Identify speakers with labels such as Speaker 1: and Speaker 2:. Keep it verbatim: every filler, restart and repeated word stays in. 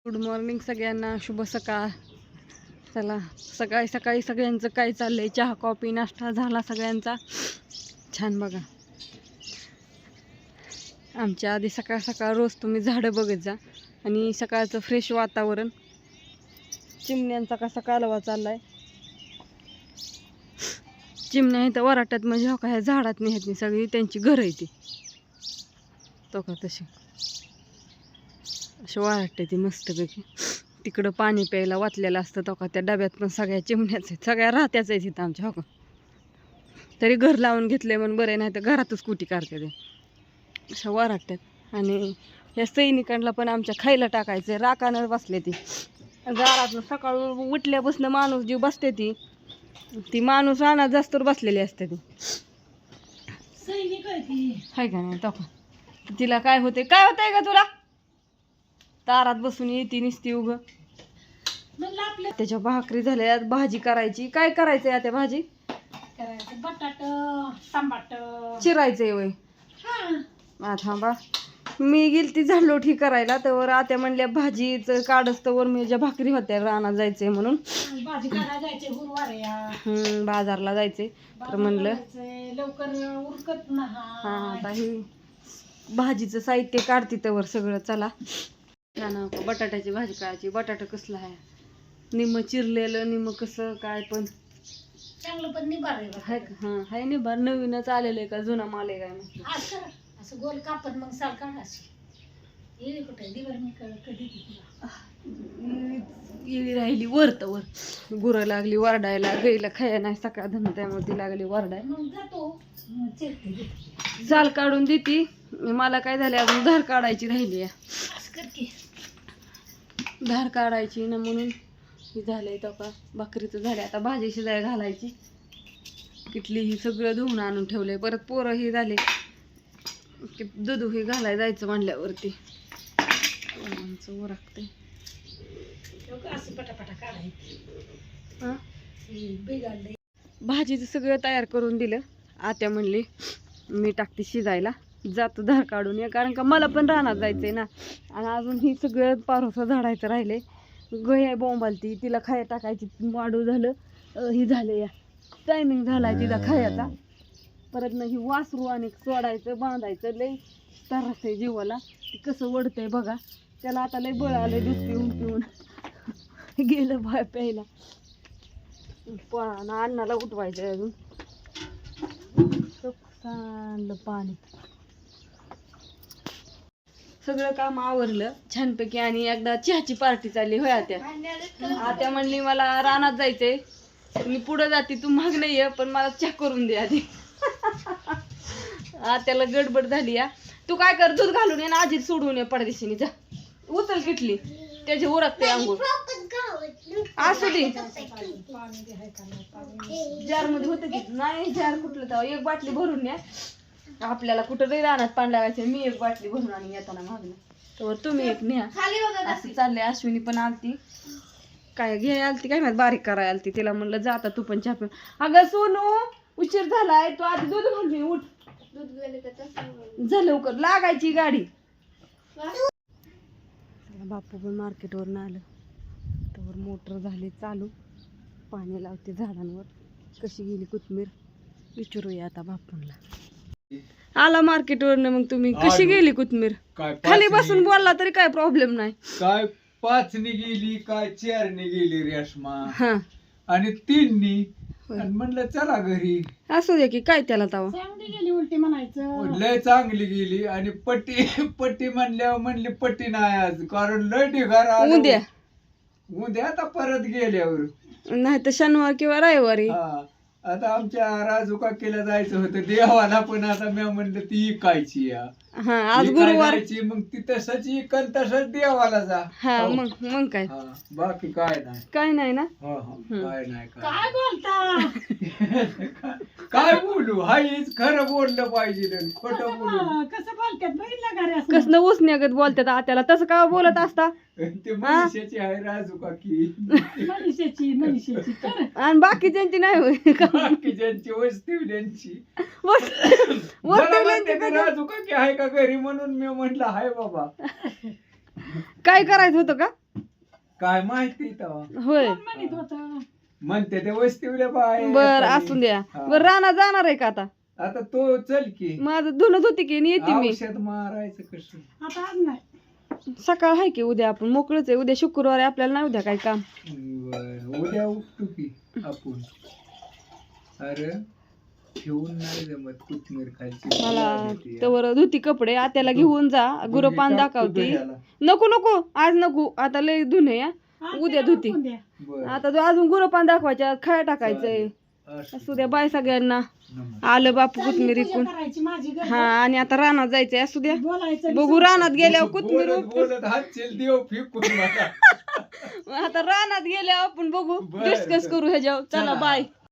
Speaker 1: Good morning सगळ्यांना, शुभ सकाळ. चला सकाळी सकाळी सगळ्यांचं काय चाललंय, चहा कॉफी नाश्ता झाला सगळ्यांचा. छान बघा, आमच्या आधी सकाळ सकाळ रोज तुम्ही झाडं बघत जा आणि सकाळचं फ्रेश वातावरण. चिमण्यांचा कसा कालवा चाललाय. चिमण्या इथं वराट्यात म्हणजे हो का ह्या झाडात नाही ह्यात सगळी त्यांची घरं आहे ती तो का तशी अशी वाटते ती मस्तपैकी. तिकडं पाणी प्यायला वाचलेलं असतं तो का त्या डब्यात पण सगळ्या चिमण्याच आहेत, सगळ्या राहत्याच आहेत इथं आमच्या. हो का तरी घर लावून घेतले म्हणून बरे, नाही तर घरातच कुटी काढते ते अशा वाटतात. आणि या सैनिकांना पण आमच्या खायला टाकायचं राखानं बसले ती दारात. सकाळ उठल्यापासून माणूस जी बसते ती ती माणूस रानात जास्त बसलेली असते ती
Speaker 2: सैनिक आहे ती,
Speaker 1: हाय का नाही. तो का तिला काय होते, काय होतंय का तुला, दारात बसून येते निसती उग.
Speaker 2: म्हणलं आपल्या
Speaker 1: त्याच्या भाकरी झाल्या, भाजी करायची. काय करायचंय आता भाजी?
Speaker 2: करायचं बटाट टमाट
Speaker 1: चिरायचंय वय.
Speaker 2: हा
Speaker 1: थांबा, मी गेली ती झाडलोट ही करायला, तर आत्या म्हणल्या भाजीचं काढच तर मी ज्या भाकरी होत्या रानात जायचंय म्हणून.
Speaker 2: भाजी करायला जायचे गुरुवार या
Speaker 1: हम्म बाजारला जायचंय तर म्हणलं
Speaker 2: लवकर उरकत ना.
Speaker 1: हा आता ही भाजीचं साहित्य काढते त्यावर सगळं. चला छान बटाट्याची भाजी करायची. बटाटा कसला आहे, निम्म चिरलेलं निम्म कसं काय पण
Speaker 2: चांगलं पण निभार
Speaker 1: हाय का. हा हाय निभार, नवीनच आलेलं आहे का जुना माल आहे काय म्हटलं.
Speaker 2: आज करा असं गोल कापत मग साल काढ अशी येईल कुठे दिवार मी कधी
Speaker 1: गेली राहिली वर तर वर. गुरं लागली वरडायला, गाईला खाया नाही सकाळ धन त्यामुळे ती लागली वरडाय.
Speaker 2: मग जातो मग चिरते
Speaker 1: साल काढून देती. मला काय झाले अजून धार काढायची राहिली आहे.
Speaker 2: असं कर की
Speaker 1: धार काढायची ना म्हणून ही झालंय तो का भाकरीचं झाले. आता भाजी शिजाय घालायची. किटली ही सगळं धुवून आणून ठेवलंय. परत पोरं ही झाले की दूध ही घालाय जायचं म्हणल्यावरती ओरखते.
Speaker 2: असं पटापटा काढायचं.
Speaker 1: हा
Speaker 2: बिघडले
Speaker 1: भाजीचं सगळं तयार करून दिलं. आत्या म्हणली मी टाकते शिजायला, जातो धार काढून या, कारण का मला पण रानात जायचंय ना. आणि अजून ही सगळं पारोसं झाडायचं राहिले. गय बोंबालती, तिला खाया टाकायची. वाढू झालं ही झालं या टायमिंग झालाय तिला खायाचा. परत ना ही वासरू आणि सोडायचं बांधायचं लय त्रास आहे जीवाला. ती कसं वडतंय बघा. त्याला आता लय बळ आलंय दूध पिऊन पिऊन गेलं बाय प्यायला. पण अन्नाला उठवायचं अजून चांगलं पाणी. सगळं काम आवरलं छानपैकी आणि एकदा चहाची पार्टी चालली होय आत्या. आत्या म्हणली मला रानात जायचंय, मी पुढं जाते तू माग नाही ये, पण मला चहा करून दे आधी. आत्याला गडबड झाली या. तू काय कर, दूध घालून ये ना आजी सोडून ये पडदेशीने. जा उचल किटली, त्याची उरकते अंघोळ. असू दे जार मध्ये होतं की नाही, जार कुठलं तेव्हा एक बाटली भरून न्या. आपल्याला कुठं नाही रानात पाणी लागायचं. मी एक बाटली भरून आणि येताना मागणं तर तुम्ही एक न्या. असं चाललंय. अश्विनी पण आलती, काय घे आलती काय माहिती, बारीक करायला आलती. तिला म्हणलं जाता तू पण चहा पिऊन. अगं सोनू उशीर झालाय, तू आधी दूध घाल मी उठ. झालं लवकर लागायची गाडी. बापू पण मार्केटवरून आलं तर मोटर झाली चालू, पाणी लावते झाडांवर. कशी गेली कोथमीर विचारूया आता बापूंला. आला मार्केटवरनं, मग तुम्ही कशी गेली कोथमीर? खाली बसून बोलला तरी काय प्रॉब्लेम नाही.
Speaker 3: काय पाचनी गेली, काय चारनी गेली रेशमा,
Speaker 1: हा
Speaker 3: आणि तीननी. आणि म्हणलं चला घरी.
Speaker 1: असू दे की काय त्याला तवा.
Speaker 2: चांगली गेली उलटी म्हणायचं.
Speaker 3: लय चांगली गेली. आणि पट्टी पट्टी म्हणल्यावर म्हणली पट्टी नाही आज, कारण लय ढिगार आलं.
Speaker 1: उद्या
Speaker 3: उद्या आता परत गेल्यावर
Speaker 1: नाही तर शनिवार किंवा रविवारी.
Speaker 3: हा आता आमच्या राजू काकीला जायचं होतं देवाला, पण आता मी म्हणलं ती इकायची या.
Speaker 1: हा आज गुरुवार.
Speaker 3: मग ती तसंच इकन तसंच देवाला जा.
Speaker 1: हा मग मग काय
Speaker 3: हा बाकी काय नाही.
Speaker 1: काय नाही ना.
Speaker 3: हो हो काय नाही काय
Speaker 2: काय बोलता
Speaker 3: काय बोलू. हाईच खरं बोललं पाहिजे, खोटं बोलू.
Speaker 2: कसं बोलतात बघितलं घरी असं.
Speaker 1: कसलं उसण्यागत बोलतात आत्याला, तसं का बोलत असता.
Speaker 3: ते मनुष्याची आहे राजू काकी,
Speaker 2: मनुष्याची मनुष्याची तर
Speaker 1: आणि बाकीच्यांची नाही होय का.
Speaker 3: बाकीच्यांची वस्तीवल्यांची.
Speaker 1: वस-
Speaker 3: मला
Speaker 1: वस्तीवल्यांची
Speaker 3: म्हणते ते
Speaker 1: कधी-
Speaker 3: राजू काकी आहे का घरी, म्हणून मी म्हंटल हाय बाबा.
Speaker 1: काय करायचं होतं का.
Speaker 3: काय माहिती तेव्हा
Speaker 1: होय
Speaker 2: म्हणत होतं
Speaker 3: म्हणते ते वस्तीवल्या बाय
Speaker 1: बर असून द्या
Speaker 3: हा.
Speaker 1: बर रानात जाणार आहे का आता
Speaker 3: आता तो चल की
Speaker 1: माझं धुणं धुती की आणि येते मी
Speaker 3: औषध मारायचं कसं
Speaker 2: आता आज नाही
Speaker 1: सकाळ आहे की उद्या आपण मोकळच आहे उद्या शुक्रवार आहे आपल्याला नाही उद्या काही काम
Speaker 3: बर उद्या उठतो की आपण अरे ठेवून नाही जमत कोथमीर खायची
Speaker 1: मला तवर धुती कपडे आत्याला घेऊन जा गुरपान दाखवती नको नको आज नको आता लय धुणे या उद्या धुती आता जो अजून गुरपान दाखवायच्या खाया टाकायचंय असू द्या बाय सगळ्यांना आलं बापू कोथमीर इकून
Speaker 2: करायची माझी गरज.
Speaker 1: हा आणि आता रानात जायचंय असू द्या
Speaker 2: बोलायचं
Speaker 1: बघू रानात गेल्यावर कोथमीर
Speaker 3: बोलत
Speaker 1: उपटून.
Speaker 3: बोलत हात चेल देव फेकून मला
Speaker 1: आता रानात गेल्यावर आपण बघू
Speaker 3: बरं,
Speaker 1: डिस्कस
Speaker 3: बरं.
Speaker 1: करू ह्याच्यावर चला
Speaker 3: चला.
Speaker 1: बाय